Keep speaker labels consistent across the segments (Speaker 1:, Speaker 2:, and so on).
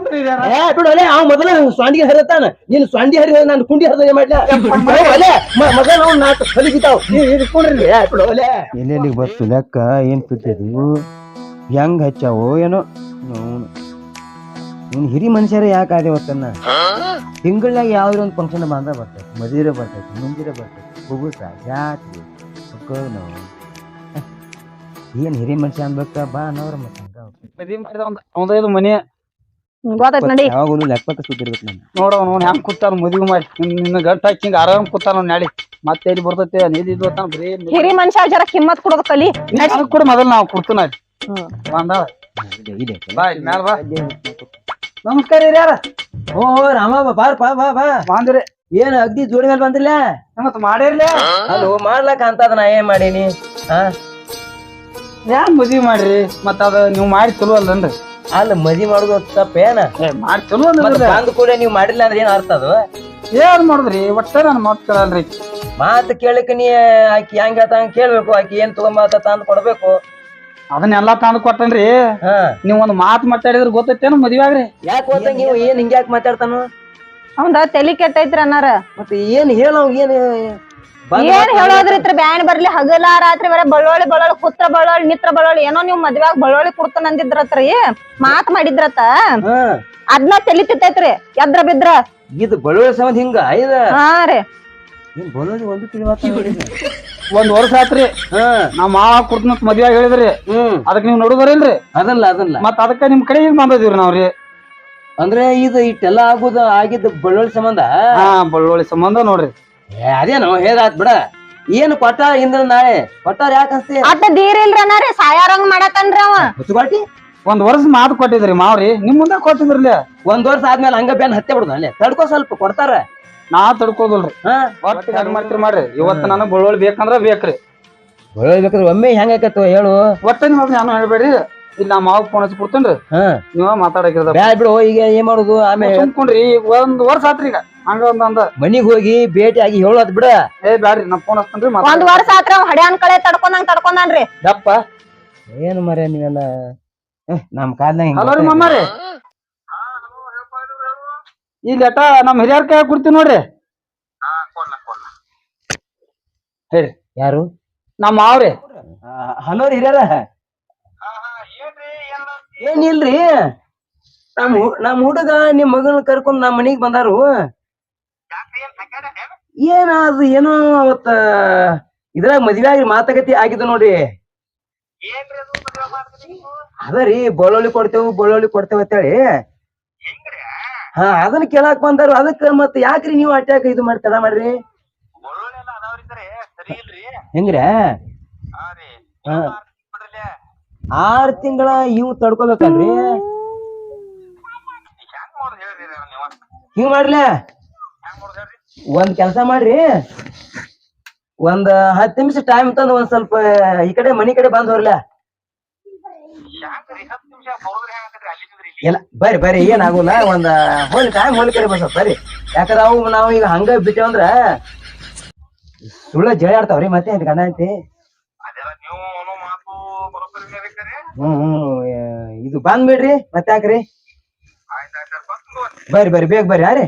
Speaker 1: ಬಿಡೋಲೆ ಅವ್ ಮೊದಲ ಸ್ವಾಂಡಿಗೆ ಹರಿತಾನ ನೀನ್ ಸ್ವಾಂಡಿ ಹರಿ ನಾನು ಕುಂಡಿ ಹರಿದ ಮಾಡ್ಲೆ ಮೊದಲ ನಾವು ನಾಲ್ಕು ಕಲಿಗಿತಾವ್ ಇಟ್ಕೊಂಡ್ರಿ ಬಿಡೋಲೆ ಎಲ್ಲೆಲ್ಲಿಗೆ ಬತ್ತು ಲೆಕ್ಕ ಏನ್ ಬಿಟ್ಟಿದ್ವು ಹೆಂಗ್ ಹಚ್ಚಾವೋ ಏನೋ ನೀನ್ ಹಿರಿ ಮನುಷ್ಯರ ಯಾಕೆ ಆದೆ ಹೊತ್ತನ್ನ ತಿಂಗಳಾಗ ಯಾವ್ದ್ರ ಒಂದು ಫಂಕ್ಷನ್ ಬಂದ ಬರ್ತೈತಿ ಮದುವೆ ಬರ್ತೈತಿ ಮುಂಜಿರೆ ಬರ್ತೈತಿ ಹುಗುಸ ಜಾತ್ರೆ ನಾವು ಏನ್ ಹಿರಿ ಮನುಷ್ಯ ಅನ್ಬೇಕ ಬಾ ಅನ್ನೋರ
Speaker 2: ಮತ್ತೆ ಮನೆ
Speaker 1: ಯಾವಾಗಲೂ ಲೆಕ್ಕ ಸುತ್ತಿರ್ಬೇಕು ನಾನು
Speaker 2: ನೋಡ ಅವ್ನು ಹೆಂಗ್ ಕೂತಾನ ಮದುವೆ ಮಾಡಿ ನಿನ್ನ ಗಂಟ ಹಾಕಿ ಹಿಂಗ ಆರಾಮ್ ಕೂತಾನ ನಾಳೆ ಮತ್ತೆ ಎಲ್ಲಿ ಬರ್ತೈತೆ ನೀದಿ ಬರೀ
Speaker 3: ಹಿರಿ ಮನುಷ್ಯ ಜರ ಕಿಮ್ಮತ್ ಕೊಡೋದು ಕಲಿ
Speaker 2: ಕೂಡ ಮೊದಲ್ ನಾವು ಕೊಡ್ತೀನ ಬಂದಾಳ ಬಾಯ್ ಮ್ಯಾಲ ಬಾ ನಮಸ್ಕಾರ ಯಾರ
Speaker 1: ಓ ರಾಮ ಬಾರ್ ಬಾ ಬಾ ಬಾ
Speaker 2: ಬಾಂದ್ರಿ
Speaker 1: ಏನ್ ಅಗ್ದಿ ಜೋಡಿ ಮೇಲೆ ಬಂದಿಲ್ಲ
Speaker 2: ಮತ್ ಮಾಡಿರ್ಲಿ
Speaker 1: ಅಲ್ಲೋ ಮಾಡ್ಲಕ್ಕ ಅಂತದ ನಾ ಏನ್ ಮಾಡೀನಿ
Speaker 2: ಯಾನ್ ಮದ್ವಿ ಮಾಡ್ರಿ ಮತ್ತ ಅದ ನೀವ್ ಮಾಡಿ ಚಲೋ ಅಲ್ಲನ್ರಿ
Speaker 1: ಅಲ್ಲ ಮದ್ವಿ ಮಾಡುದು ತಪ್ಪೇನ
Speaker 2: ಮಾಡಿ ಚಲೋ
Speaker 1: ಬಂದ್ ಕೂಡ ನೀವ್ ಮಾಡಿಲ್ಲ ಅಂದ್ರೆ ಏನ್ ಅರ್ಥ ಅದು
Speaker 2: ಏನ್ ಮಾಡುದ್ರಿ ಒಟ್ಟ ನನ್ ಮಾತ್ ಕೇಳಲ್ರಿ
Speaker 1: ಮಾತು ಕೇಳಕ್ ನೀ ಆಕಿ ಹೆಂಗ್ ಹೇಳ್ತಂಗ ಕೇಳ್ಬೇಕು ಆಕಿ ಏನ್ ತಗೊಂಬಾತ ತಂದ್ ಕೊಡ್ಬೇಕು
Speaker 2: ಅದನ್ನೆಲ್ಲಾ ತಂದ್ ಕೊಟ್ಟನ್ರಿ ನೀವ್ ಒಂದ್ ಮಾತ್ ಮಾತಾಡಿದ್ರ ಗೊತ್ತೈತೇನು ಮದ್ವೆ ಆಗ್ರಿ
Speaker 1: ಯಾಕೆ ಗೊತ್ತ ನೀವು ಏನ್ ಹಿಂಗ್ಯಾಕ್ ಮಾತಾಡ್ತಾನು
Speaker 3: ಅವಂದ ತಲಿ ಕೆಟ್ಟೈತ್ರಿ ಅನ್ನಾರ
Speaker 1: ಮತ್ತೆ ಏನ್ ಹೇಳೋ ಏನ್
Speaker 3: ಏನ್ ಹೇಳೋದ್ರಿತ್ರ ಬ್ಯಾನ್ ಬರ್ಲಿ ಹಗಲ ರಾತ್ರಿ ಬರ ಬಳ್ಳೋಳಿ ಕುತ್ರ ಬಳ್ಳೋಳಿ ನಿತ್ರ ಬಳ್ಳೋಳಿ ಏನೋ ನೀವ್ ಮದ್ವ್ಯಾಗ ಬಳ್ಳೋಳಿ ಕುಡ್ತಾನ ಅಂದಿದ್ರತ್ರಿ ಮಾತ್ ಮಾಡಿದ್ರತ ಅದ್ನ ತಲಿ ತಿತ್ತೈತ್ರಿ ಎದ್ರ ಬಿದ್ರ
Speaker 1: ಇದು ಬಳ್ಳೋಳಿ ಸಂಬಂಧ ಹಿಂಗ
Speaker 3: ಹಾ ರೀ
Speaker 1: ಬಳ್ಳೋಳಿ ಒಂದು ತಿಳಿವಾತ
Speaker 2: ಒಂದ್ ವರ್ಷ ಆತ್ರಿ ನಾವ್ ಮಾವ ಕುಡ್ತನ ಮದ್ವ್ಯಾಗ ಹೇಳಿದ್ರಿ ಅದಕ್ ನೀವ್ ನೋಡುದ್ರಿಲ್ರಿ
Speaker 1: ಅದಲ್ಲ
Speaker 2: ಮತ್ ಅದಕ್ಕ ನಿಮ್ ಕಡೆ ಈಗ ಬಂದಿದ್ರಿ ನಾವ್ರಿ
Speaker 1: ಅಂದ್ರೆ ಇದು ಇಟ್ಟೆಲ್ಲ ಆಗಿದ್ದ ಬಳ್ಳೋಳಿ ಸಂಬಂಧ
Speaker 2: ಬಳ್ಳೋಳಿ ಸಂಬಂಧ ನೋಡ್ರಿ
Speaker 1: ಅದೇನೋ ಹೇಗಾತ್ ಬಿಡ ಏನು ಕೊಟ್ಟ ಇಂದ್ರ ನಾಳೆ ಕೊಟ್ಟಾರ ಯಾಕ ಅನ್ಸ್ತಿ
Speaker 3: ಅಟ್ಟ ದೀರಿಲ್ರಿ ಅನ್ನಾರಿ ಸಾಯಾರಂಗ್ ಮಾಡತನ್ರಿ ಅವ
Speaker 1: ಹುಚ್ಚುಗಾಟಿ
Speaker 2: ಒಂದ್ ವರ್ಷ ಮಾತು ಕೊಟ್ಟಿದ್ರಿ ಮಾವ್ರಿ ನಿಮ್ ಮುಂದೆ ಕೊಟ್ಟಿದ್ರಲ್ಲ
Speaker 1: ಒಂದ್ ವರ್ಷ ಆದ್ಮೇಲೆ ಹಂಗ ಬ್ಯಾನ್ ಹತ್ತೆ ಬಿಡುದ ಅಲ್ಲೇ ತಡ್ಕೋ ಸ್ವಲ್ಪ ಕೊಡ್ತಾರ
Speaker 2: ನಾ ತಡ್ಕೋದಲ್ರಿ ಮಾಡ್ತೀರಿ ಮಾಡ್ರಿ ಇವತ್ತು ನನಗ್ ಬಳ್ಳೋಳಿ ಬೇಕಂದ್ರ ಬೇಕ್ರಿ
Speaker 1: ಬಳ್ಳೋಳಿ ಬೇಕಾದ್ರೆ ಒಮ್ಮೆ ಹೆಂಗ ಆಕತ್ತು ಹೇಳು
Speaker 2: ಒಟ್ಟ ನಿಮ್ ನಾನು ಹೇಳ್ಬೇಡ್ರಿ ಇಲ್ಲಿ ನಾ ಮಾವ್ ಫೋನ್ ಹಚ್ಚಿ ಕೊಡ್ತೇನ್ರಿ ನೀವ ಮಾತಾಡಕಿರ
Speaker 1: ಬ್ಯಾಡ್ ಬಿಡು ಈಗ ಏನ್ ಮಾಡುದು ಆಮೇಲೆ
Speaker 2: ಸುಮ್ಕೊಂಡ್ರಿ ಒಂದ್ ವರ್ಷ ಆತ್ರಿ ಈಗ ಹಂಗ ಒಂದ್
Speaker 1: ಮನಿಗ್ ಹೋಗಿ ಭೇಟಿ ಆಗಿ ಹೇಳೋದ್ ಬಿಡ
Speaker 2: ಬ್ಯಾಡ್ರಿ ನಾ ಫೋನ್ ಹಚ್ತೇನ್ರಿ
Speaker 3: ಒಂದ್ ವರ್ಷ ಆತ್ರ ಹಡ್ಯಾನ್ ಕಳೆ ತಡ್ಕೊಂಡಾನ್ರಿ
Speaker 1: ದಪ್ಪ ಏನು ಮರ ನೀವೆಲ್ಲ ನಮ್ ಕಾಲ್ನಾಗ
Speaker 2: ಹಲೋ ರೀ ಮಮ್ಮಾರಿ ಈ ಲೆಟ ನಮ್ ಹಿರಿಯರ್ ಕೈ ಕೊಡ್ತೀವಿ ನೋಡ್ರಿ ಹೇಳಿ
Speaker 1: ಯಾರು
Speaker 2: ನಮ್ ಮಾವ್ರಿ
Speaker 1: ಹಲೋ ರೀ ಹಿರಿಯರ ಏನಿಲ್ರಿ ನಮ್ ಹುಡುಗ ನಿಮ್ ಮಗನ ಕರ್ಕೊಂಡ್ ನಮ್ ಮನಿಗ್ ಬಂದಾರು ಏನಾದ್ರು ಏನೋ ಅವತ್ತ ಇದ್ರಾಗ ಮದ್ವೆ ಆಗಿ ಮಾತುಕತೆ ಆಗಿದ್ದು ನೋಡ್ರಿ ಅದರಿ ಬಳ್ಳೊಳ್ಳಿ ಕೊಡ್ತೇವ ಅಂತೇಳಿ ಅದನ್ನ ಕೇಳಾಕ್ ಬಂದಾರು ಅದಕ್ಕ ಮತ್ ಯಾಕ್ರಿ ನೀವು ಅಟ್ಯಾಕ ಇದು ಮಾಡಿ ತಡ ಮಾಡ್ರಿ ಹೆಂಗ್ರ 6 ತಿಂಗಳ ಇವ್ ತಡ್ಕೋಬೇಕಲ್ರಿ ಹಿಂಗ್ ಮಾಡ್ಲ ಒಂದ್ ಕೆಲ್ಸ ಮಾಡ್ರಿ ಒಂದ್ 10 ನಿಮಿಷ ಟೈಮ್ ತಂದು ಒಂದ್ ಸ್ವಲ್ಪ ಈ ಕಡೆ ಮನಿ ಕಡೆ ಬಂದ್ ಹೋಗ್ಲ ಇಲ್ಲ ಬರ್ರಿ ಏನಾಗುಲ್ಲ ಒಂದ್ ಹೋಲಿ ಕಡೆ ಬಂದ್ ಬರ್ರಿ ಯಾಕಂದ್ರ ನಾವು ಈಗ ಹಂಗ ಬಿಟ್ಟೇವಂದ್ರ ಸುಳ್ಳ ಜಳ ಆಡ್ತಾವ್ರಿ ಮತ್ತೆ ಗಂಡ ಐತಿ ಇದು ಬಂದ್ ಬಿಡ್ರಿ ಮತ್ತೆ ಯಾಕ್ರಿ ಬರ್ರಿ ಬೇಗ ಬರ್ರಿ ಯಾರಿ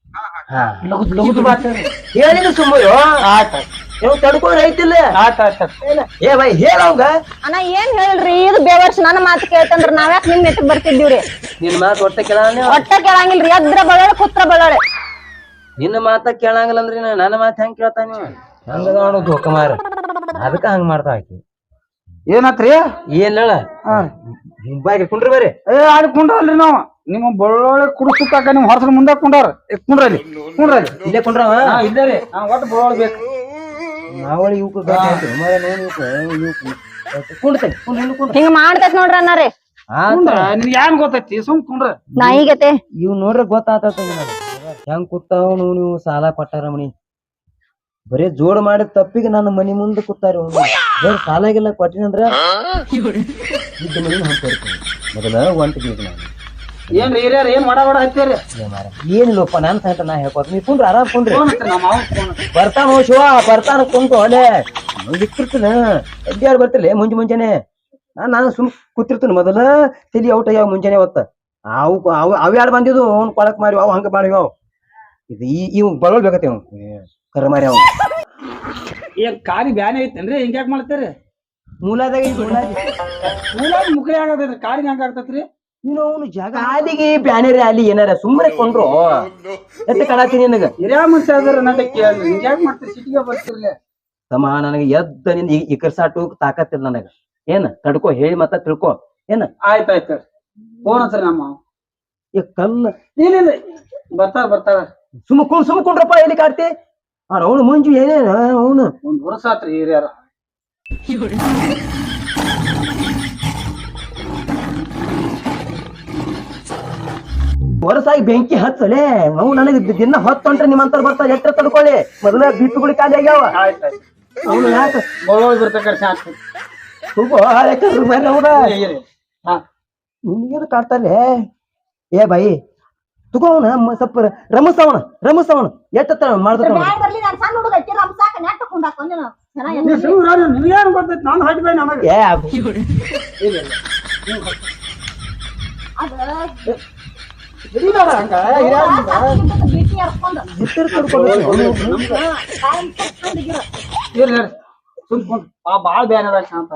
Speaker 1: ಹೇಳಿದ್ರು ಸುಮ್ಮರು ನೀವು ತಡ್ಕೊಂಡ್ ಐತಿಲ್ಲ ಏ ಬೈ ಹೇಳವಂಗ
Speaker 3: ಅಣ್ಣ ಏನ್ ಹೇಳ್ರಿ ಇದು ಬೇವರ್ಸ್ ನನ್ನ ಮಾತು ಕೇಳ್ತಂದ್ರ ನಾವ್ಯಾಕ್ ನಿಮ್ ನೆಟ್ಟಗ್ ಬರ್ತಿದ್ದೀವ್ರಿ
Speaker 1: ನಿನ್ ಮಾತು ಒಟ್ಟ
Speaker 3: ಕೇಳಂಗಿಲ್ರಿ ಎದ್ರ ಬಳ್ಳೋಳೆ ಕುತ್ರ ಬಳ್ಳೋಳೆ
Speaker 1: ನಿನ್ನ ಮಾತ ಕೇಳಂಗಿಲ್ಲ ಅಂದ್ರಿ ನನ್ನ ಮಾತು ಹೆಂಗ್ ಕೇಳ್ತಾ ನೀವು ಹಂಗ ನೋಡುದು ಕುಮಾರ ಅದಕ್ಕ ಹಂಗ ಮಾಡ್ತಾ ಆಕಿ
Speaker 2: ಏನಾತ್ರಿ
Speaker 1: ಏನ್ ಹೇಳ ಬಾಯ್ಗೆ ಕುಂಡ್ರಿ ಬರ್ರಿ
Speaker 2: ಆಡಿ ಕುಂಡ್ರಲ್ರಿ ನಾವ್ ನಿಮ್ಮ ಬಳ್ಳೊಳ್ಳಿ ಕುಡಿಸ್ತಾಕ ನಿಮ್ ಹೊರಸ ಮುಂದೆ ಕುಂಡ್ರ ಕುಂಡ್ರಲ್ಲಿ
Speaker 1: ಇಲ್ಲೇ ಕುಂಡ್ರವ
Speaker 2: ಇಲ್ಲೇ ರೀ ಒಟ್ಟು ಬಳ್ಳೊಳ್ಳಿ ಬೇಕು
Speaker 1: ನಾವಳಿ
Speaker 3: ಹಿಂಗ ಮಾಡ್ತೈತ್ ನೋಡ್ರಿ ಅನ್ನಾರಿ
Speaker 2: ನಿನ್ ಏನ್ ಗೊತ್ತೈತಿ ಸುಮ್ ಕುಂಡ್ರ
Speaker 3: ನಾಯಿಗತೆ
Speaker 1: ಇವ್ ನೋಡ್ರಿ ಗೊತ್ತಾತ ಹೆಂಗ್ ಕೂತಾವ ನೀವು ಸಾಲ ಕೊಟ್ಟಾರ ಮನಿ ಬರೀ ಜೋಡ್ ಮಾಡಿದ ತಪ್ಪಿಗೆ ನನ್ನ ಮನಿ ಮುಂದೆ ಕೂತಾರ ಬರೀ ಸಾಲಾಗಿಲ್ಲ ಕೊಟ್ಟಿನಂದ್ರ ಮೊದಲ ಒಂಟಿಗೆ
Speaker 2: ಏನ್ರಿ ಹಿರಿಯರ್ ಏನ್ ಮಾಡ ಹಚ್ಚಾರಿ
Speaker 1: ಏನಿಲ್ಲಪ್ಪ ನಾನ್ ಸಾಯ್ತ ನಾ ಹೇಳ್ಕೊತ ನೀ ಕುಂಡ್ರಿ ಆರಾಮ್ ಕುಂಡ್ರಿ ಬರ್ತಾನ ಶಿವ ಬರ್ತಾನ ಕುಂತು ಅಲ್ಲೇ ಇಟ್ಟಿರ್ತೀನಿ ಎಡ್ಯಾರು ಬರ್ತಿಲ್ಲ ಮುಂಜಾನೆ ನಾನು ಸುಮ್ ಕೂತಿರ್ತೀನಿ ಮೊದಲ ತಲಿ ಔಟ್ ಆಗ್ಯಾವ ಮುಂಜಾನೆ ಹೊತ್ತ ಅವ್ ಯಾರು ಬಂದಿದ್ದು ಅವ್ನ್ ಕೊಳಕ್ ಮಾರಿ ಅವ್ ಹಂಗ ಮಾಡಿವ ಇದು ಇವ್ ಬರೋಲ್ ಬೇಕತಿ ಅವ್ ಕರ ಮಾರಿ ಅವ್
Speaker 2: ಏನ್ ಕಾರಿ ಬ್ಯಾನೆ ಐತೇನ್ರಿ ಹಿಂಗ್ಯಾಕ್ ಮಾಡ್ತೀರಿ
Speaker 1: ಮೂಲಾದಾಗ
Speaker 2: ಮೂಲಾಗಿ ಮುಕ್ಳಿ ಆಗತೈತ್ರಿ ಕಾರಿಗೆ ಹಂಗ ಆಗ್ತೈತ್ರಿ
Speaker 1: ನೀನು ಅವನು ಜಾಗ ಕಾಲಿಗೆ ಬ್ಯಾನರಿ ಅಲ್ಲಿ ಏನಾರ ಸುಮ್ಮನೆ ಕೊಂಡ್ರು ಎತ್ತ ಕಾಣತೀನಿ ನಿನಗ
Speaker 2: ಹಿರಿಯ ಮನುಷ್ಯ ಅದ್ರ ನನ್ನ ಕೇಳಿ ಹಿಂಗ್ಯಾಕ್ ಮಾಡ್ತೀರಿ ಸಿಟಿಗೆ ಬರ್ತಿರ್ಲಿ
Speaker 1: ತಮ್ಮ ನನಗೆ ಎದ್ದ ನಿನ್ ಇಕರ್ಸಾಟು ತಾಕತ್ತಿಲ್ಲ ನನಗ ಏನ್ ತಡ್ಕೋ ಹೇಳಿ ಮತ್ತ ತಿಳ್ಕೊ ಏನ
Speaker 2: ಆಯ್ತಾಯ್ತು ಫೋನ್ ಹಚ್ರಿ ನಮ್ಮ
Speaker 1: ಈ ಕಲ್ಲ
Speaker 2: ಇಲ್ಲ ಬರ್ತಾರ
Speaker 1: ಸುಮ್ಕೊಂಡ್ರಪ್ಪ ಎಲ್ಲಿ ಕಾಡ್ತಿ ಅವನು ಮುಂಜು ಏನೇನ ಅವನು
Speaker 2: ಒಂದ್ ವರ್ಷ ಆತ್ರಿ ಹಿರಿಯರ
Speaker 1: ಹೊರಸಾಗಿ ಬೆಂಕಿ ಹಚ್ಚಲೆ ನಾವು ನನಗೆ ದಿನ ಹೊತ್ತೊಂಟ್ರೆ ನಿಮ್ಮಂತರ ಬರ್ತಾರೆ ಎಟ್ಟ ತಡ್ಕೊಳ್ಳಿ ಮೊದಲ ಬಿಪ್ಪುಗಳು ಖಾಲಿ ಆಗ್ಯಾವ
Speaker 2: ಆಯ್ತಾಯ್ತು
Speaker 1: ಅವನು ಯಾಕೆ
Speaker 2: ಬೋಳೋಳ್ ಬರ್ತಕ್ಕ ಸಾಕು
Speaker 1: ನಿನ್ಗೇನು ಕಾಡ್ತಾನೆ ಏ ಬಾಯಿ ತಗೋವನ ಸ್ವಲ್ಪ ರಮಸವನ ಎಟ್ಟ ಮಾಡ್ದ
Speaker 2: ನಿಮ್ಗೇನು ಗೊತ್ತೈತಿ ನಾನು ಹಾಕಿ ಬೈ ನಮಗೆ ಬಾಳ ಬ್ಯಾನದ ಶಾಂತ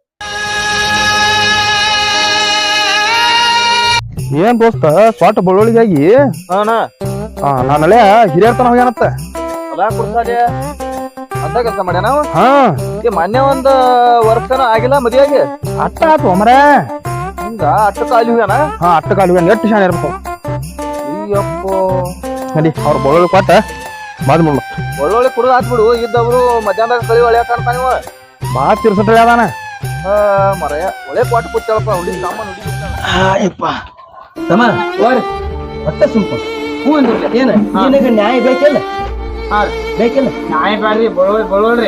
Speaker 4: ಏನ್ ದೋಸ್ತ ಸ್ವಾಟ ಬಳ್ಳೊಳಿಗಾಗಿ ನಾನಳೆ ಹಿರಿಯರ್ತನ ಹೋಗ್ಯಾನತ್ತ
Speaker 5: ಹೊಲ ಕೊಡ್ತಾನೆ ಅಂತ ಕೆಲಸ ಮಾಡ್ಯಾನ ಅವ.
Speaker 4: ಹಾ
Speaker 5: ಮೊನ್ನೆ ಒಂದ್ ವರ್ಷನ ಆಗಿಲ್ಲ ಮದ್ವೆಯಾಗಿ
Speaker 4: ಅಟ್ಟ ಆತು ಮರ
Speaker 5: ಹಿಂಗ ಅಟ್ಟ ಕಾಲಿ ಹೋಗ್ಯಾನ.
Speaker 4: ಹಾ ಅಟ್ಟ ಕಾಲು ಎಷ್ಟು ಶಾನೆ ಇರ್ಬೇಕು
Speaker 5: ಅಯ್ಯಪ್ಪ
Speaker 4: ನಡಿ ಅವ್ರ ಬಳ್ಳೊಳಿ ಕೊಟ್ಟ ಬಾದ್ ಮುಳ್ಳು
Speaker 5: ಒಳ್ಳೊಳ್ಳೆ ಕುಡಿದು ಹಾಕ್ಬಿಡು ಇದ್ದವ್ರು ಮಧ್ಯಾಹ್ನದಾಗ ಕಳಿ ಒಳ್ಳೆ ಕಾಣ್ತಾನ ಇವ.
Speaker 4: ಬಾ ತಿರ್ಸಟ್ರಿ ಅದಾನ
Speaker 5: ಮರಯ ಒಳ್ಳೆ ಕೊಟ್ಟು ಕೂತಳಪ್ಪ ಹುಡುಗಿ ಸಾಮಾನು
Speaker 1: ಯಪ್ಪ ತಮ್ಮ ಹೊಟ್ಟೆ ಸುಮ್ಕ
Speaker 2: ಹ್ಞೂ ಅಂದ್ರಿ
Speaker 1: ಏನ ನಿನಗ ನ್ಯಾಯ ಬೇಕಿಲ್ಲ
Speaker 2: ಹಾ ರೀ
Speaker 1: ಬೇಕಿಲ್ಲ
Speaker 2: ನಾಯಿ ಬ್ಯಾಡ್ರಿ ಬರೋಳ್ರಿ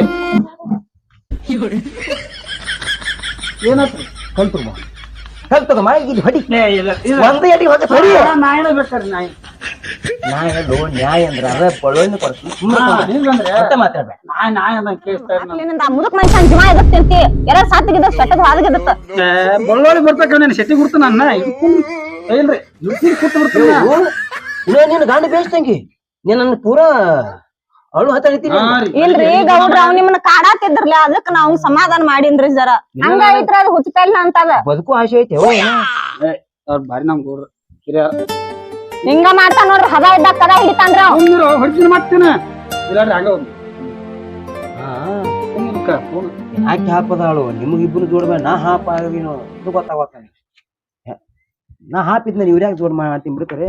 Speaker 2: ಏನತ್ರಿ
Speaker 1: ಕಲ್ತದಮ್ಮ ಇಲ್ಲಿ ಹೊಡಿ ಒಂದೇ ಅಡಿ ಹೊಡೆ ಹೊಡಿ
Speaker 2: ನಾಯಿನ ಬೇಕಾರಿ ನಾಯಿ
Speaker 1: ನ್ಯಾಯ ಹೇಳು ನ್ಯಾಯ ಅಂದ್ರ ಅದ ಬಳ್ಳೊಳ್ಳಿ ಕೊಡ್ತೀನಿ
Speaker 2: ಹಿಂಗಂದ್ರೆ
Speaker 1: ಮತ್ತೆ ಮಾತಾಡ್ಬೇಡ
Speaker 2: ನಾಯಿ ಅಂತ ಕೇಳ್ತಾ
Speaker 3: ಮುದುಕ್ ಮನುಷ್ಯನ್ ಜೀವ ಎದಕ್ತಿರ್ತಿ ಎಲ್ಲ ಸಾತಿಗಿದ ಸೆಟ್ಟದ ಹಾದಗಿದತ್ತ
Speaker 2: ಬಳ್ಳೋಳಿ ಬರ್ತಕ್ಕ ನಾನು ಶೆಟ್ಟಿ ಗುರ್ತ ನನ್ನ ಇಲ್ರಿ ಇಡ್ತೀನಿ ಕೂತ್ ಬಿಡ್ತೀನಿ
Speaker 1: ನೀನು ಗಾಂಡಿ ಬೇಯಿಸ್ತಂಗಿ ನೀನ್ ನನ್ನ ಪೂರಾ ಅವಳು ಹತ್ತಿರ್ತೀನಿ
Speaker 3: ಇಲ್ರಿ ಗೌಡ್ರ ಅವ್ ನಿಮ್ಮನ್ನ ಕಾಡಾತಿದ್ರಲ್ಲ ಅದಕ್ಕ ನಾವ್ ಸಮಾಧಾನ ಮಾಡೀನ್ರಿ ಜರ ಹಂಗಾಯ್ತ್ರ ಅದು ಹುಚ್ಚಲ್ಲ ಅಂತದ
Speaker 1: ಬದುಕು ಆಸೆ ಐತೆ
Speaker 2: ಅವ್ರ ಬಾರಿ ನಮ್ ಗೌಡ್ರ ಹಿರಿಯರ
Speaker 3: ಹಿಂಗ ಮಾಡ್ತಾ ನೋಡ್ರಿ ಹದ ಇದ್ದಾಗ ಕದ ಹಿಡಿತಾನ್ರಿ ಅವ್
Speaker 2: ಹೊಡ್ತೀನಿ ಮಾಡ್ತೀನಿ ಇಲ್ಲಾಡ್ರಿ ಹಂಗ
Speaker 1: ಯಾಕೆ ಹಾಪದಾಳು ನಿಮಗಿಬ್ಬರು ಜೋಡ್ಬೇಡ ನಾ ಹಾಪ ಆಗೀನು ಇದು ಗೊತ್ತಾಗತ್ತ ನಾ ಹಾಪಿದ್ನ ನೀವು ಯಾಕೆ ಜೋಡ್ ಮಾಡ್ತೀನಿ ಬಿಡ್ತಾರೆ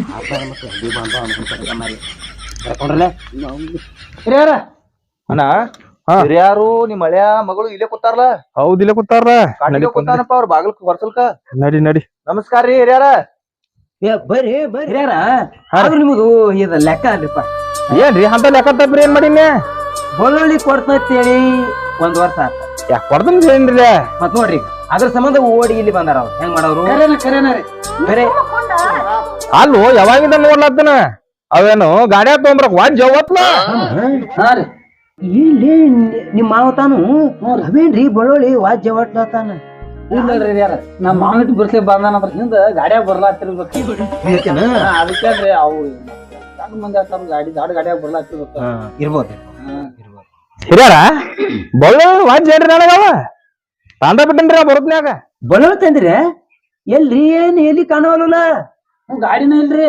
Speaker 1: ಕರ್ಕೊಂಡ್ರಲ್ಲ
Speaker 2: ಹಿರಿಯರ
Speaker 5: ಅಣ್ಣ ಹಿರಿಯಾರು ನಿಮ್ ಹಳೆಯ ಮಗಳು ಇಲ್ಲೇ ಕೂತಾರಲ್ಲ
Speaker 4: ಹೌದಿಲ್ಲ ಕೂತಾರ
Speaker 5: ಕೂತಾನಪ್ಪ ಅವ್ರ ಬಾಗಲ್ ಬರ್ಸಲ್ಕ.
Speaker 4: ನಡಿ ನಡಿ
Speaker 5: ನಮಸ್ಕಾರ ರೀ ಹಿರಿಯಾರ.
Speaker 1: ಬರ್ರಿ ಹಿರಿಯರ ಆದ್ರೂ ನಿಮ್ದು ಇದ ಲೆಕ್ಕ ಅಲ್ಲಿಪ್ಪ
Speaker 4: ಏನ್ರಿ ಅಂತ ಲೆಕ್ಕ ತಪ್ಪ್ರಿ ಏನ್ ಮಾಡೀನಿ
Speaker 1: ಬಳ್ಳೊಳ್ಳಿ ಕೊಡ್ತೇಳಿ ಒಂದ್ ವರ್ಷ ಆತ
Speaker 4: ಯಾಕೆ ಕೊಡ್ದನ್ ಏನ್ರಿ
Speaker 1: ಮತ್ ನೋಡ್ರಿ ಅದ್ರ ಸಂಬಂಧ ಓಡಿ ಇಲ್ಲಿ ಬಂದಾರ ಅವ್ರು ಹೆಂಗ್ ಮಾಡೋರು
Speaker 2: ಕರೇನ ರೀ
Speaker 1: ಬೇರೆ
Speaker 4: ಅಲ್ಲೋ ಯಾವಾಗಿಂದ ನೋಡ್ಲತ್ತನ ಅವೇನು ಗಾಡಿ ತೊಗೊಂಬ್ರಕ್ ವಾಜ್ ಅವತ್ಲ
Speaker 2: ಹಾ ರೀ
Speaker 1: ಇಲ್ಲಿ ನಿಮ್ ಮಾವ ತಾನು ಅವೇನ್ರಿ ಬಳ್ಳೊಳ್ಳಿ ವಾಜ್ಯ ಒಟ್ಲತಾನ
Speaker 2: ಇಲ್ಲಲ್ರಿ ಹಿರಿಯರ ನಮ್ಮ ಮಾವನಿಟ್ಟು ಬರ್ಸ್ಲಿಕ್ಕೆ ಬಂದಾನಂದ್ರ ಹಿಂದ ಗಾಡ್ಯಾಗ ಬರ್ಲಾತಿರ್ಬೇಕು ಅದಕ್ಕೆ ಅಂದ್ರೆ ಅವು ಸಣ್ಣ ಮಂದಿ ಆಗ್ತಾರ ಗಾಡಿ ದೊಡ್ಡ ಗಾಡ್ಯಾಗ ಬರ್ಲಾತಿರ್ಬೇಕು
Speaker 1: ಇರ್ಬೋದು
Speaker 4: ಹಿರಿಯಾರ ಬಳ್ಳ ವಾಜ್ ಏನ್ರಿ ನನಗವ ತಾಂಡ ಬಿಟ್ಟನ್ರಿ ಬರುತ್ನ್ಯಾಗ
Speaker 1: ಬಳ್ಳೊಳ್ಳಿ ತಂದ್ರಿ ಎಲ್ರಿ ಏನ್ ಎಲ್ಲಿ ಕಾಣವಲ್ಲ
Speaker 2: ಗಾಡಿನ ಇಲ್ರಿ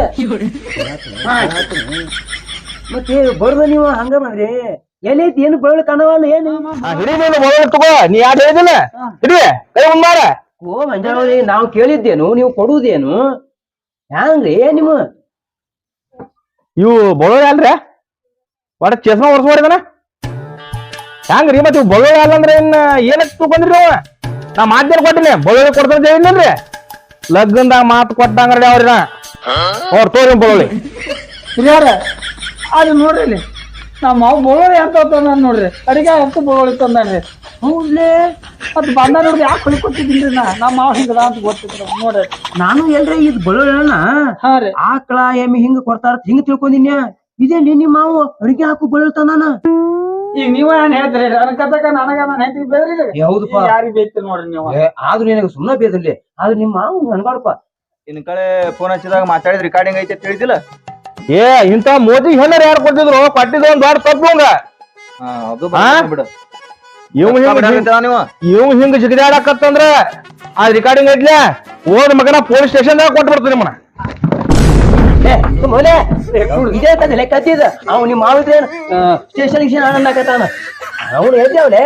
Speaker 1: ಮತ್ತೆ ಬರೋದ ನೀವು ಹಂಗ ಮಾಡ್ರಿ ಎಲ್ಲಿ ಐತಿ ಏನು ಬಳ್ಳೊಳ್ಳಿ ಕಾಣವಲ್ಲ ಏನು
Speaker 4: ಹಿಡಿ ನೀನು ಬಳ್ಳ ತಗೋ ನೀ ಯಾರು ಹೇಳಿದಿಲ್ಲ ಹಿಡಿ ಕೈ ಉಂಬಾರ
Speaker 1: ಓ ಮಂಜಾನವ್ರಿ ನಾವು ಕೇಳಿದ್ದೇನು ನೀವು ಕೊಡುವುದೇನು ಹ್ಯಾಂಗ್ರಿ ನಿಮ್ಮ
Speaker 4: ಇವು ಬಳ್ಳೊಳ್ಳಿ ಅಲ್ರಿ ಒಡ ಚಸ್ಮಾ ವರ್ಷ ಮಾಡಿದಾನ ಹ್ಯಾಂಗ್ರಿ ಮತ್ ಇವ್ ಬಳ್ಳೊಳ್ಳಿ ಅಲ್ಲಂದ್ರ ಏನಕ್ ತಗೊಂಡ್ರಿ ಅವ ನಾ ಮಾತೇನ್ ಕೊಟ್ಟಿನಿ ಬಳ್ಳೊಳ್ಳಿ ಕೊಡ್ತಾರ ಹೇಳಿದ್ರಿ ಲಗ್ನದಾಗ ಮಾತು ಕೊಟ್ಟಂಗ್ರಿ ಅವ್ರಿನ ಅವ್ರ ತೋರಿ ಬಳ್ಳೊಳ್ಳಿ
Speaker 2: ಹಿರಿಯರ ಅದು ನೋಡ್ರಿ ಇಲ್ಲಿ ನಮ್ಮ ಮಾವು ಬೋಳೋಳಿ ಅಂತ ತಂದ ನೋಡ್ರಿ ಅಡಿಗೆ ಅಂತ ಬೋಳೋಳಿ ತಂದಾನ್ರಿ ಹೌದ್ಲೇ ಮತ್ ಬಂದ ನೋಡ್ರಿ ಯಾಕೆ ಹೊಳಿ ಕೊಟ್ಟಿದ್ದೀನ್ರಿ ನಮ್ಮ ಮಾವು ಹಿಂಗದ ಅಂತ ಗೊತ್ತಿದ್ರು ನೋಡ್ರಿ
Speaker 1: ನಾನು ಎಲ್ರಿ ಇದ್ ಬಳ್ಳೊಳ್ಳಿ
Speaker 2: ಹಾ ರೀ
Speaker 1: ಆಕಳ ಎಮ್ಮಿ ಹಿಂಗ ಕೊಡ್ತಾರ ಹಿಂಗ ತಿಳ್ಕೊಂಡಿನ್ಯ ಇದೇನ್ರಿ ನಿಮ್ಮ ಮಾವು ಅಡಿಗೆ ಹಾಕು ಬಳ್ಳೊಳ್ಳಿ ನಾನು
Speaker 2: ಈಗ ನೀವ ಏನ್ ಹೇಳ್ತೀರಿ ನನ್ನ ಕಥಕ ನನಗ ನಾನು ಹೆಂಡತಿ ಬೇದ್ರಿ
Speaker 1: ಹೌದಪ್ಪ
Speaker 2: ಯಾರಿಗ್ ಬೇಯ್ತೀರಿ ನೋಡ್ರಿ ನೀವು
Speaker 1: ಆದ್ರೂ ನಿನಗ ಸುಮ್ಮನೆ ಬೇದಲ್ಲಿ ಆದ್ರೆ ನಿಮ್ಮ ಮಾವು ಅನ್ಬಾರಪ್ಪ
Speaker 5: ಇನ್ ಕಡೆ ಫೋನ್ ಹಚ್ಚಿದಾಗ ಮಾತಾಡಿದ್ ರೆಕಾರ್ಡಿಂಗ್ ಐತೆ ತಿಳಿದಿಲ್ಲ.
Speaker 4: ಏ ಇಂತ ಮೋದಿ ಹೆಣ್ಣರ್ ಯಾರು ಕೊಟ್ಟಿದ್ರು ಕೊಟ್ಟಿದ್ದು ಒಂದ್ ದೊಡ್ಡ ತಪ್ಪು ಹಂಗ.
Speaker 5: ಅದು ಬರೋಬ್ಬರಿ ಬಿಡು.
Speaker 4: ಇವ್ ಹಿಂಗ ಜಿಗಿದಾಡಕತ್ತಂದ್ರ ಆ ರೆಕಾರ್ಡಿಂಗ್ ಐತ್ಲೆ ಓದ್ ಮಗನ ಪೊಲೀಸ್ ಸ್ಟೇಷನ್ ದಾಗ ಕೊಟ್ಬಿಡ್ತೀನಿ ನಿಮ್ಮನ್ನ.
Speaker 1: ಮೊಲೆ ಇದೇ ತಂದೆ ಕತ್ತಿದ ಅವ್ ನಿಮ್ಮ ಮಾವಿದ್ರೆ ಸ್ಟೇಷನ್ ಗಿಷನ್ ಅನ್ನಕತ್ತಾನ ಅವ್ನು ಹೇಳ್ದೇವ್ಲೆ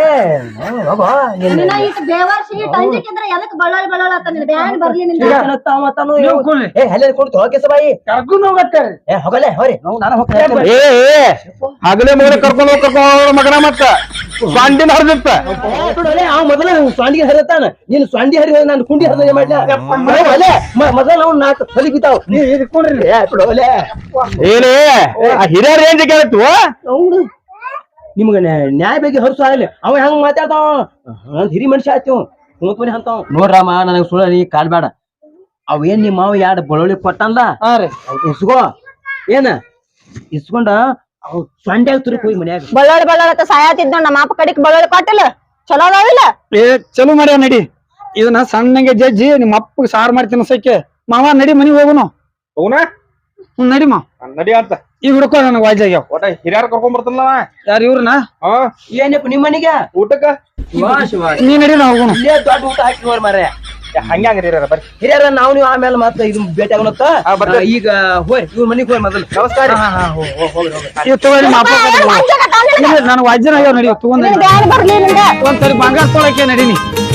Speaker 1: ಕೊಡ್ತು ಓಕೆ ಸಬಾಯಿ
Speaker 2: ಕರ್ಕೊಂಡು ಹೋಗತ್ತಾರೆ
Speaker 1: ಹೋಗಲೆ ಹೋರಿ ನಾನು ಹೋಗ್ತೇನೆ
Speaker 4: ಏ ಹಗಲೇ ಮಗನ ಕರ್ಕೊಂಡು ಮಗನ ಮತ್ತ ಸ್ವಾಂಡಿನ ಹರಿದಿತ್ತ
Speaker 1: ಅವ್ ಮೊದಲ ಸ್ವಾಂಡಿಗೆ ಹರಿತಾನ ನೀನು ಸ್ವಾಂಡಿ ಹರಿ ನಾನು ಕುಂಡಿ ಹರಿದ ಮಾಡ್ಲ ಮೊದಲ ಅವ್ನು ನಾಲ್ಕು ಹೊಲಿ ಬಿದ್ದಾವ್ ಇಟ್ಕೊಂಡ್ರಿ
Speaker 4: ಏನೇ ಹಿರಿಯರ್ ಏನ್ ಕೇಳತ್ತು
Speaker 1: ಅವ್ನು ನಿಮ್ಗ ನ್ಯಾಯ ಬಗ್ಗೆ ಹರ್ಸು ಆಗಲಿ ಅವ ಹೆಂಗ್ ಮಾತಾಡ್ತಾವ ಹಿರಿ ಮನುಷ್ಯ ಆಯ್ತು ಮೂತ್ ಮನೆ ಅಂತಾವ ನೋಡ್ರಮ್ಮ ನನಗ್ ಸುಳ್ಳ ನೀ ಕಾಡ್ಬೇಡ ಅವ್ ಏನ್ ನಿಮ್ಮ ಮಾವ ಎರಡು ಬಳ್ಳೊಳ್ಳಿ ಕೊಟ್ಟಲ್ಲ ಇಸ್ಕೋ ಏನ ಇಸ್ಕೊಂಡ ಅವ್ ಸೊಂಡ್ಯಾಗ ತುರುಕ್ ಹೋಗಿ ಮನ್ಯಾಗ
Speaker 3: ಬಳ್ಳೊಳ್ಳಿ ಸಾಯತಿದ್ ನೋಡ್ ನಮ್ಮ ಅಪ್ಪ ಕಡಿಕ್ ಬಳ್ಳೊಳ್ಳಿ ಕೊಟ್ಟಿಲ್ಲ ಚಲೋ ಅದಾವಿಲ್ಲ
Speaker 2: ಚಲೋ ಮಾಡ್ಯಾವ ನಡಿ ಇದನ್ನ ಸಣ್ಣಗೆ ಜಜ್ಜಿ ನಿಮ್ಮ ಅಪ್ಪಗೆ ಸಾರು ಮಾಡ್ತೀನಿ ಸೈಕೆ ಮಾವ ನಡಿ ಮನಿಗ್ ಹೋಗುನು
Speaker 4: ಹೋಗುನ
Speaker 2: ನಡಿ ಮಾ
Speaker 4: ನಡಿ ಅಂತ
Speaker 2: ಈಗ ಹುಡ್ಕೋ ನನಗೆ ವಾಜ್ಯಾಗ್ಯಾವ
Speaker 4: ಒಟ್ಟ ಹಿರಿಯರ್ ಕರ್ಕೊಂಡ್ ಬರ್ತಲ್ಲ
Speaker 2: ಯಾರು ಇವ್ರನ್ನ
Speaker 1: ಏನಪ್ಪ ನಿಮ್ಮ ಮನೆಗೆ
Speaker 4: ಊಟಕ್ಕ
Speaker 2: ನೀ ನಡಿ ನಾ ಹೋಗುನು
Speaker 1: ಇಲ್ಲೇ ದೊಡ್ಡ ಊಟ ಹಾಕಿ ನೋಡಿ ಮಾರ್ರೆ
Speaker 4: ಹಂಗ್ಯಾಂಗ ಹಿರಿಯರ ಬರ್ರಿ
Speaker 1: ಹಿರಿಯರ ನಾವು ನೀವು ಆಮೇಲೆ ಮತ್ತೆ ಇದು ಭೇಟಿ ಆಗೋಣತ್ತ ಈಗ ಹೋರಿ ಇವ್ರ ಮನಿಗ್ ಹೋರಿ ಮೊದಲು ನಮಸ್ಕಾರ
Speaker 2: ಇವ್ ತಗೊಳ್ಳಿ ಮಾ ಅಪ್ಪ ನನಗೆ ವಾಜ್ಯನ ಆಗ್ಯಾವ ನಡಿ ತಗೊಂಡ್
Speaker 3: ಬ್ಯಾನ್ ಬರ್ಲಿ ನಿಂಗ
Speaker 2: ಒಂದ್ಸರಿ ಬಂಗಾರ ತೊಳಕ್ಕೆ ನಡೀನಿ